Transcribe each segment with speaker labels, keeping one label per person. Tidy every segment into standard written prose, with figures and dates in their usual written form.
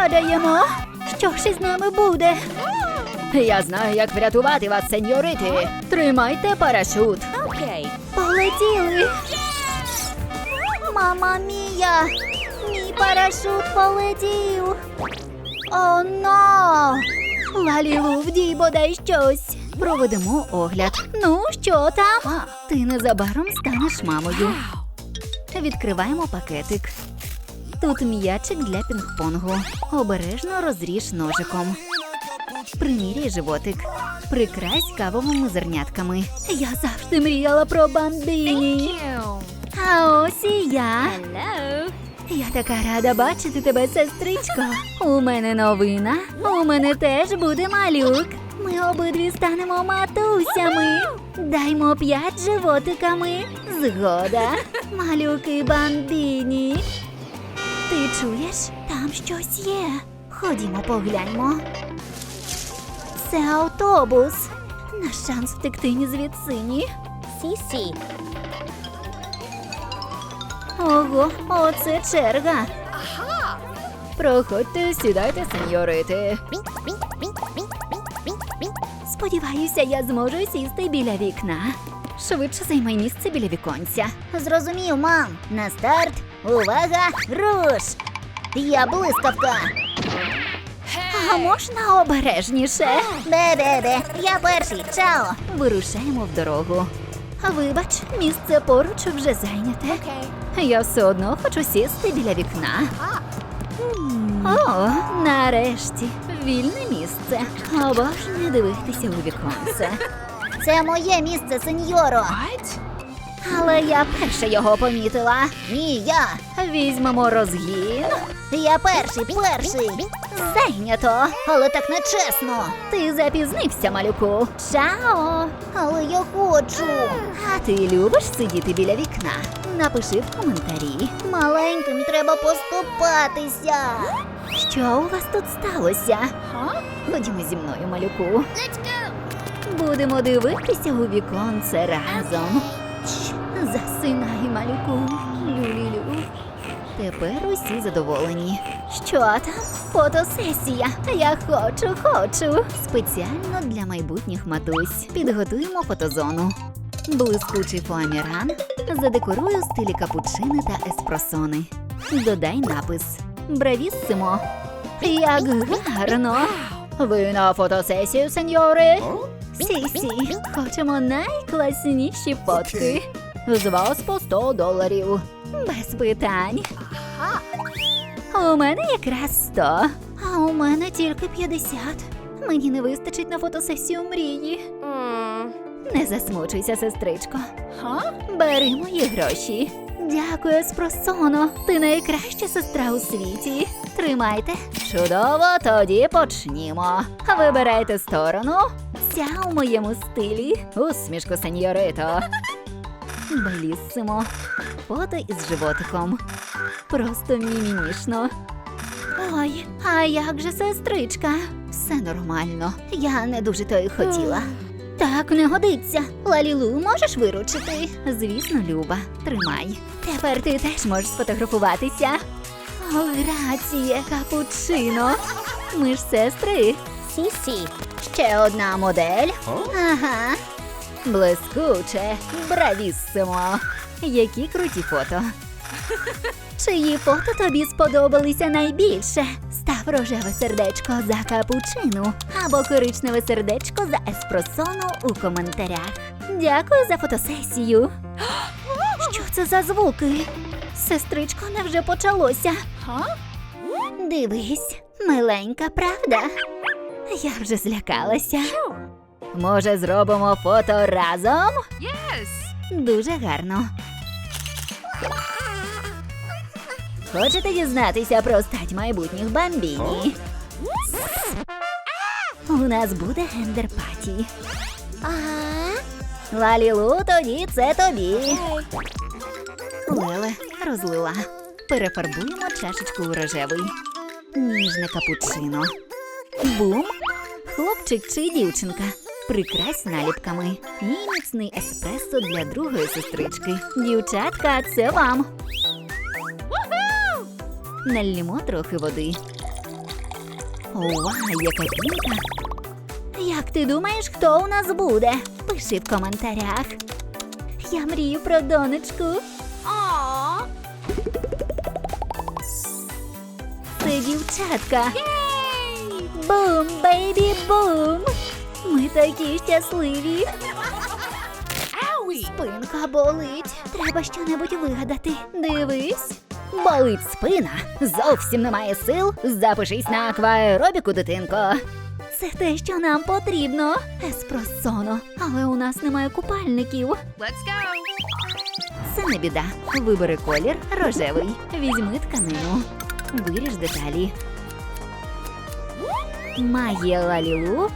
Speaker 1: падаємо. Що ж із нами буде?
Speaker 2: Я знаю, як врятувати вас, сеньорити. Тримайте парашут.
Speaker 3: Okay.
Speaker 1: Полетіли. Мама мія! Мій парашут полетів. О, но! Лалілу, вдій бодай щось. Проведемо огляд. Ну, що там? Ти незабаром станеш мамою. Відкриваємо пакетик. Тут м'ячик для пінг-понгу. Обережно розріж ножиком. Приміряй животик. Прикрась кавовими зернятками. Я завжди мріяла про бамбіні. А ось і я.
Speaker 3: Hello.
Speaker 1: Я така рада бачити тебе, сестричко. У мене новина. У мене теж буде малюк. Ми обидві станемо матусями. Даймо 5 животиками. Згода. Малюки бамбіні. Ти чуєш? Там щось є. Ходімо погляньмо. Це автобус. Наш шанс втекти ні звідси, ні.
Speaker 3: Сісі.
Speaker 1: Ого, оце черга.
Speaker 2: Проходьте, сідайте, сеньорити.
Speaker 1: Сподіваюся, я зможу сісти біля вікна. Швидше займай місце біля віконця. Зрозумів, мам. На старт. Увага, руш! Я блискавка. А можна обережніше? Де. Я перший, чао. Вирушаємо в дорогу. Вибач, місце поруч вже зайняте. Я все одно хочу сісти біля вікна. О, нарешті, вільне місце. Обожнюю дивитися у віконце. Це моє місце, сеньоро. Але я перша його помітила. Ні, я. Візьмемо розгін. Я перший. Зайнято. Але так нечесно. Ти запізнився, малюку. Чао. Але я хочу. А ти любиш сидіти біля вікна? Напиши в коментарі. Маленьким треба поступатися. Що у вас тут сталося? Ходімо зі мною, малюку. Будемо дивитися у віконце разом. Засинай, малюку. Люлілю. Тепер усі задоволені. Що там? Фотосесія. Я хочу. Спеціально для майбутніх матусь. Підготуємо фотозону. Блискучий фоаміран. Задекорую в стилі капучини та еспресони. Додай напис. Бравіссимо. Як гарно.
Speaker 2: Ви на фотосесію, сеньори?
Speaker 1: Сі, хочемо найкласніші фотки.
Speaker 2: З вас по $100.
Speaker 1: Без питань. У мене якраз 100, а у мене тільки 50. Мені не вистачить на фотосесію мрії. Не засмучуйся, сестричко. Бери мої гроші. Дякую, Еспросоно. Ти найкраща сестра у світі. Тримайте.
Speaker 2: Чудово, тоді почнімо.
Speaker 1: Вибирайте сторону. Ця у моєму стилі.
Speaker 2: Усмішку, сеньорито.
Speaker 1: Беліссимо. Фото із животиком. Просто мімімішно. Ой, а як же сестричка? Все нормально. Я не дуже то й хотіла. Так не годиться. Лалілу, можеш виручити? Звісно, Люба. Тримай. Тепер ти теж можеш сфотографуватися. О, грація, капучино. Ми ж сестри.
Speaker 3: Сісі.
Speaker 1: Ще одна модель. Ага.
Speaker 2: Блискуче, бравіссимо.
Speaker 1: Які круті фото. Чиї фото тобі сподобалися найбільше? Став рожеве сердечко за капучину або коричневе сердечко за еспресону у коментарях. Дякую за фотосесію. Що це за звуки? Сестричко, невже почалося? Дивись, миленька, правда? Я вже злякалася.
Speaker 2: Може, зробимо фото разом?
Speaker 1: Дуже гарно.
Speaker 2: Хочете дізнатися про стать майбутніх бамбіні?
Speaker 1: У нас буде гендер-паті.
Speaker 2: Лалілу, тоді це тобі.
Speaker 1: Леле розлила. Перефарбуємо чашечку у рожевий. Ніжне капучино. Бум! Хлопчик чи дівчинка. Прикрась наліпками. І міцний еспресо для другої сестрички. Дівчатка, це вам. Наллємо трохи води. Ова, яка пінка. Як ти думаєш, хто у нас буде? Пиши в коментарях. Я мрію про донечку. Це дівчатка. Бум, бейбі, бум. Ми такі щасливі. Спинка болить. Треба щонебудь вигадати. Дивись.
Speaker 2: Болить спина? Зовсім немає сил? Запишись на акваеробіку, дитинко.
Speaker 1: Це те, що нам потрібно. Еспросоно. Але у нас немає купальників.
Speaker 2: Це не біда. Вибери колір рожевий. Візьми тканину. Виріж деталі. Магія Лалілу.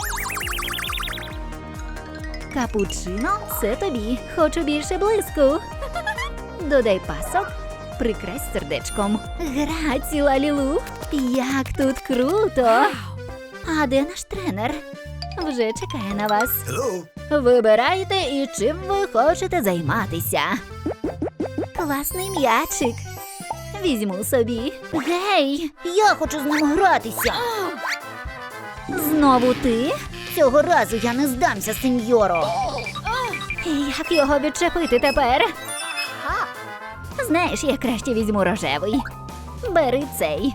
Speaker 1: Капучино – це тобі. Хочу більше блиску.
Speaker 2: Додай пасок. Прикрась сердечком.
Speaker 1: Граці, Лалілу. Як тут круто. А де наш тренер? Вже чекає на вас.
Speaker 2: Вибирайте і чим ви хочете займатися.
Speaker 1: Класний м'ячик. Візьму собі. Гей, я хочу з ним гратися. Знову ти?
Speaker 2: Цього разу я не здамся, сеньоро.
Speaker 1: Як його відчепити тепер?
Speaker 2: Знаєш, я краще візьму рожевий.
Speaker 1: Бери цей.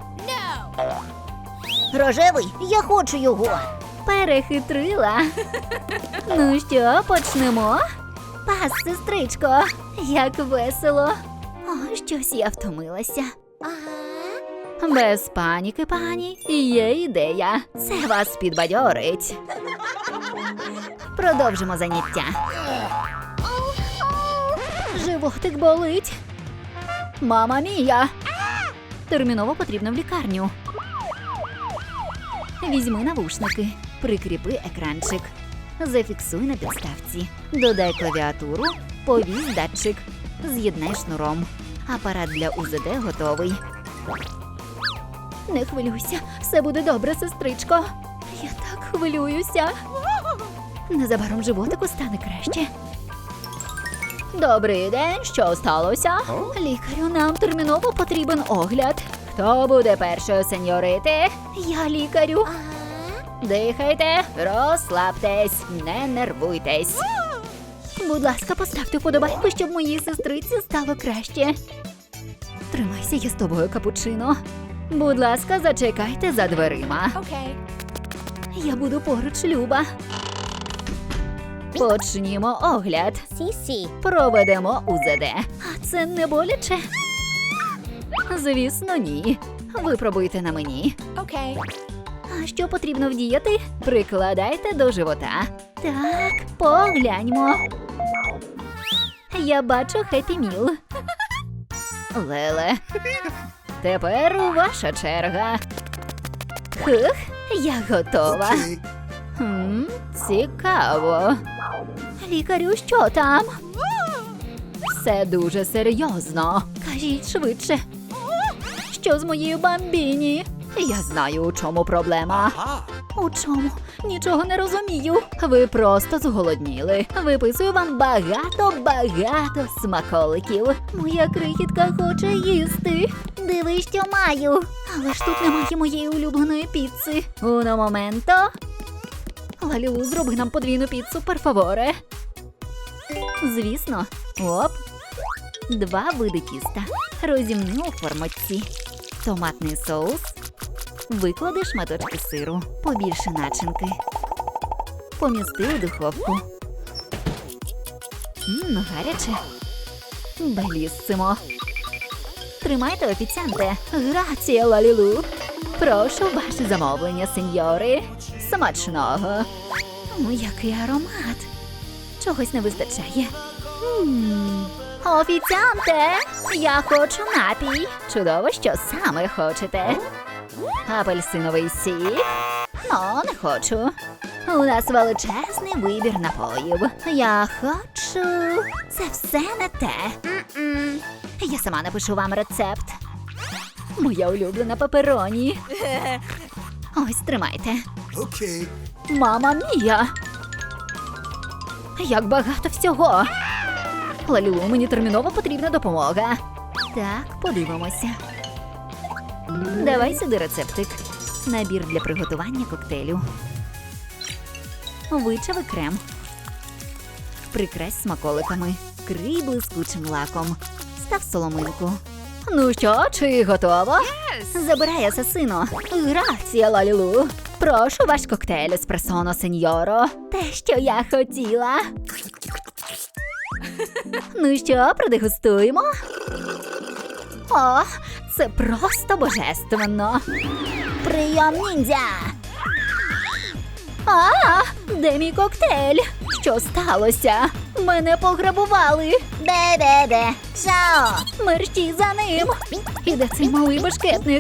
Speaker 2: Рожевий? Я хочу його.
Speaker 1: Перехитрила. Ну що, почнемо? Пас, сестричко. Як весело. О, щось я втомилася.
Speaker 2: Без паніки, пані. Є ідея. Це вас підбадьорить. Продовжимо заняття.
Speaker 1: Животик болить.
Speaker 2: Мама мія! Терміново потрібно в лікарню. Візьми навушники, прикріпи екранчик. Зафіксуй на підставці. Додай клавіатуру, повісь датчик. З'єднай шнуром. Апарат для УЗД готовий.
Speaker 1: Не хвилюйся, все буде добре, сестричко. Я так хвилююся.
Speaker 2: Незабаром животику стане краще. Добрий день, що сталося?
Speaker 1: Лікарю, нам терміново потрібен огляд.
Speaker 2: Хто буде першою, сеньорити?
Speaker 1: Я лікарю.
Speaker 2: Дихайте, розслабтесь, не нервуйтесь.
Speaker 1: Будь ласка, поставте вподобайку, щоб моїй сестриці стало краще.
Speaker 2: Тримайся, я з тобою, капучино. Будь ласка, зачекайте за дверима.
Speaker 1: Я буду поруч, Люба.
Speaker 2: Почнімо огляд.
Speaker 3: Сісі.
Speaker 2: Проведемо УЗД.
Speaker 1: А це не боляче?
Speaker 2: Звісно, ні. Випробуйте на мені.
Speaker 1: А що потрібно вдіяти?
Speaker 2: Прикладайте до живота.
Speaker 1: Так, погляньмо. Я бачу Хеппі Міл.
Speaker 2: Леле. Тепер ваша черга.
Speaker 1: Хух,
Speaker 2: Я готова. Цікаво.
Speaker 1: лікарю, що там?
Speaker 2: Все дуже серйозно.
Speaker 1: Кажіть швидше. Що з моєю бамбіні?
Speaker 2: Я знаю, у чому проблема.
Speaker 1: У чому? Нічого не розумію.
Speaker 2: Ви просто зголодніли. Виписую вам багато смаколиків.
Speaker 1: Моя крихітка хоче їсти. Диви, що маю. Але ж тут немає моєї улюбленої піци.
Speaker 2: Уно моменто.
Speaker 1: Лалілу, зроби нам подвійну піцу, перфаворе.
Speaker 2: Звісно. Оп. 2 види тіста. Розімни у формочці. Томатний соус. Виклади шматочки сиру. Побільше начинки. Помісти у духовку. Гаряче. Беліссимо. Тримайте, офіціанте. Грація, Лалілу. Прошу, ваше замовлення, сеньори. Смачного.
Speaker 1: Який аромат. Чогось не вистачає. Офіціанте, я хочу напій.
Speaker 2: Чудово, що саме хочете. Апельсиновий сік? Не хочу. У нас величезний вибір напоїв.
Speaker 1: Я хочу... Це все не те.
Speaker 2: Я сама напишу вам рецепт. Моя улюблена пепероні. Ось, тримайте.
Speaker 4: Okay.
Speaker 2: Мама мія! Як багато всього! Лалілу, мені терміново потрібна допомога. Так, подивимося. Давай сюди рецептик. Набір для приготування коктейлю. Вичави крем. Прикрась смаколиками. Крий блискучим лаком. Став соломинку.
Speaker 1: Ну що, чи готово?
Speaker 2: Забирай асасино.
Speaker 1: Грація, Лалілу. Прошу ваш коктейль еспресоно, сеньоро. Те, що я хотіла. Ну що, продегустуємо? О, це просто божественно. Прийом ніндзя. А, де мій коктейль? Що сталося? Мене пограбували.
Speaker 3: Де? Шао.
Speaker 1: Мерщій за ним. І де цей малий башкетник?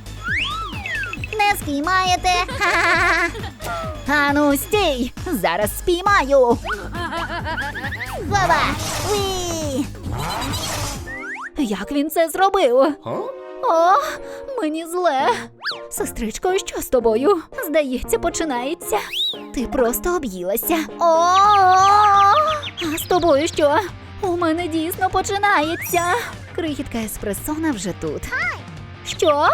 Speaker 3: Не спіймаєте. Ха-ха-ха.
Speaker 1: Ану, стій! Зараз спіймаю.
Speaker 3: Вова. Уі.
Speaker 1: Як він це зробив? О, мені зле. Сестричко, що з тобою? Здається, починається. Ти просто об'їлася. О! А з тобою що? У мене дійсно починається.
Speaker 2: Крихітка еспресона вже тут.
Speaker 1: Що?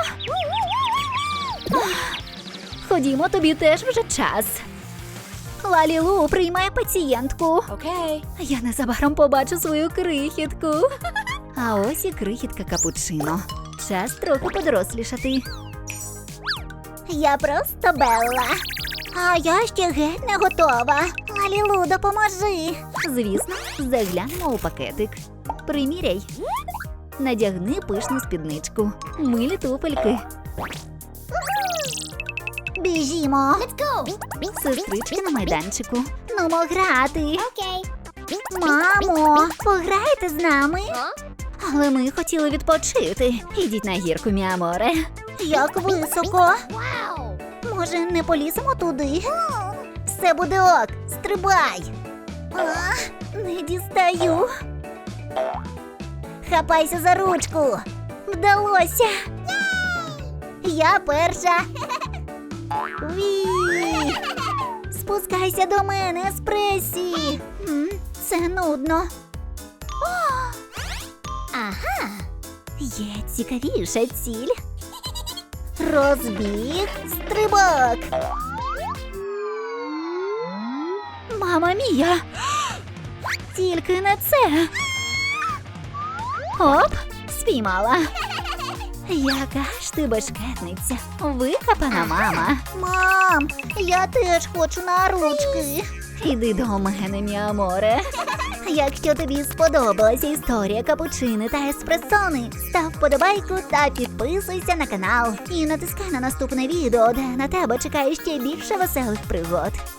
Speaker 1: Ходімо, тобі теж вже час. Лалілу приймає пацієнтку.
Speaker 3: Окей.
Speaker 1: Я незабаром побачу свою крихітку.
Speaker 2: А ось і крихітка капучино. Час трохи подорослішати.
Speaker 3: Я просто Белла. А я ще геть не готова. Лалілу, допоможи.
Speaker 2: Звісно, заглянемо у пакетик. Приміряй. Надягни пишну спідничку. Милі туфельки.
Speaker 3: Біжімо. Let's go.
Speaker 2: Сестрички на майданчику.
Speaker 3: Нумо грати.
Speaker 1: Окей.
Speaker 3: Мамо, пограєте з нами?
Speaker 1: Але ми хотіли відпочити. Ідіть на гірку, міаморе.
Speaker 3: Як високо. Може, не поліземо туди? Все буде ок, стрибай. Не дістаю. Хапайся за ручку. Вдалося. Я перша. Ві. Спускайся до мене, еспресі. Це нудно. Ага. Є цікавіша ціль. Розбіг, стрибок.
Speaker 1: Мама мія! Тільки не це. Оп, спіймала. Яка ж ти башкетниця. Викопана мама.
Speaker 3: Мам, я теж хочу на ручки.
Speaker 1: Іди до мене, міаморе.
Speaker 3: Якщо тобі сподобалася історія капучини та еспресони, став вподобайку та підписуйся на канал. І натискай на наступне відео, де на тебе чекає ще більше веселих пригод.